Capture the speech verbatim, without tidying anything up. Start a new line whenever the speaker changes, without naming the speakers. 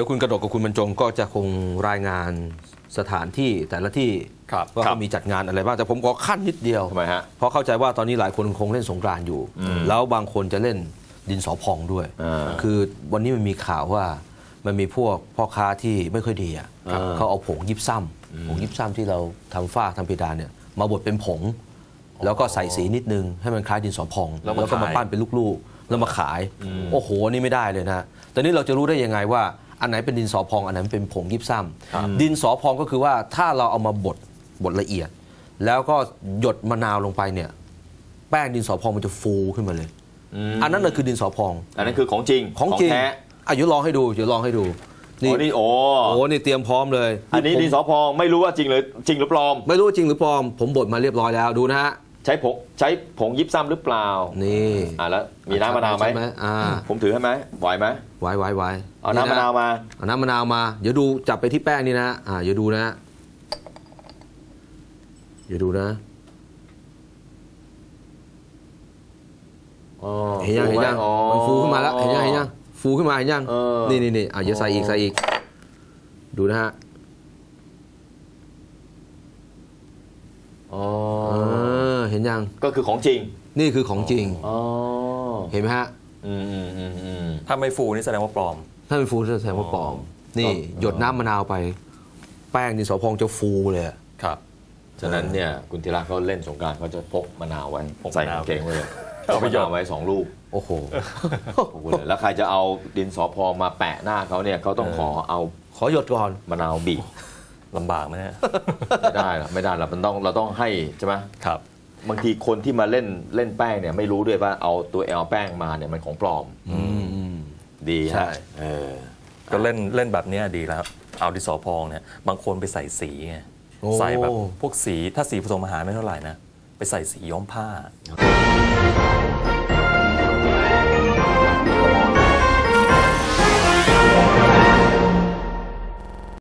ยวคุณกระดกกับคุณบรรจงก็จะคงรายงานสถานที่แต่ละที่ว่าเขามีจัดงานอะไรบ้างแต่ผมขอขั้นนิดเดียว
ทำไมฮะ
เพราะเข้าใจว่าตอนนี้หลายคนคงเล่นสงกรานต์อยู่แล้วบางคนจะเล่นดินสอพองด้วยคือวันนี้มันมีข่าวว่ามันมีพวกพ่อค้าที่ไม่ค่อยดีอ่ะเขาเอาผงยิบซ้ำผงยิบซ้ำที่เราทำฝ้าทำเพดานเนี่ยมาบดเป็นผงแล้วก็ใส่สีนิดนึงให้มันคล้ายดินสอพองแล้วก็มาปั้นเป็นลูกๆแล้วมาขายโอ้โหนี่ไม่ได้เลยนะแต่นี้เราจะรู้ได้ยังไงว่าอันไหนเป็นดินสอพองอันไหนเป็นผงยิบซ้ำดินสอพองก็คือว่าถ้าเราเอามาบดบดละเอียดแล้วก็หยดมะนาวลงไปเนี่ยแป้งดินสอพองมันจะฟูขึ้นมาเลยอันนั้นน่ะคือดินสอพอง
อันนั้นคือของจริง
ของจริงอ่ะเดี๋ยวลองให้ดูเดี๋ยวลองให้ดู
นี่โอ้
โหนี่เตรียมพร้อมเลย
อันนี้ดินสอพองไม่รู้ว่าจริงหรือจริงหรือปลอม
ไม่รู้จริงหรือปลอมผมบดมาเรียบร้อยแล้วดูนะฮะ
ใช้ผงใช้ผงยิบซ้ำหรือเปล่า
นี่
อ่ะแล้วมีน้ำมะนาวไหม
อ่า
ผมถือให้ไหมไหวไหม
ไหวไหวไหว
เอาน้ำมะนาวมา
เอาน้ำมะนาวมาเดี๋ยวดูจับไปที่แป้งนี่นะอ่าเดี๋ยวดูนะเดี๋ยวดูนะเห็นยังเห็นยังมันฟูขึ้นมาแล้วเห็นยังเห็นยังฟูขึ้นมาเห็นยังนี่นี่นี่อ่ะเดี๋ยวใส่อีกใส่อีกดูนะฮะ
อ๋อ
เห็นยัง
ก็คือของจริง
นี่คือของจริงเห็นไหมฮะ
ถ้าไม่ฟูนี่แสดงว่าปลอม
ถ้าไม่ฟูแสดงว่าปลอมนี่หยดน้ำมะนาวไปแป้งดินสอพองจะฟูเลย
ครับฉะนั้นเนี่ยคุณธีระเขาเล่นสงกรานต์เขาจะพกมะนาวไว้ใส่กางเกงไว้เลยเอาไปหยอดไว้สองลูก
โอ้โห
แล้วใครจะเอาดินสอพองมาแปะหน้าเขาเนี่ยเขาต้องขอเอา
ขอหยดก่อน
มะนาวบีบ
ลำบากไหมฮะ
ไม่ได้หรอกไม่ได้หรอกมันต้องเราต้องให้ใช่ไหม
ครับ
บางทีคนที่มาเล่นเล่นแป้งเนี่ยไม่รู้ด้วยว่าเอาตัวแอลแป้งมาเนี่ยมันของปลอมดีใช่
ก็เล่นเล่นแบบนี้ดีแล้วเอาดินสอพองเนี่ยบางคนไปใส่สีไงใส่แบบพวกสีถ้าสีผสมอาหารไม่เท่าไหร่นะไปใส่สีย้อมผ้า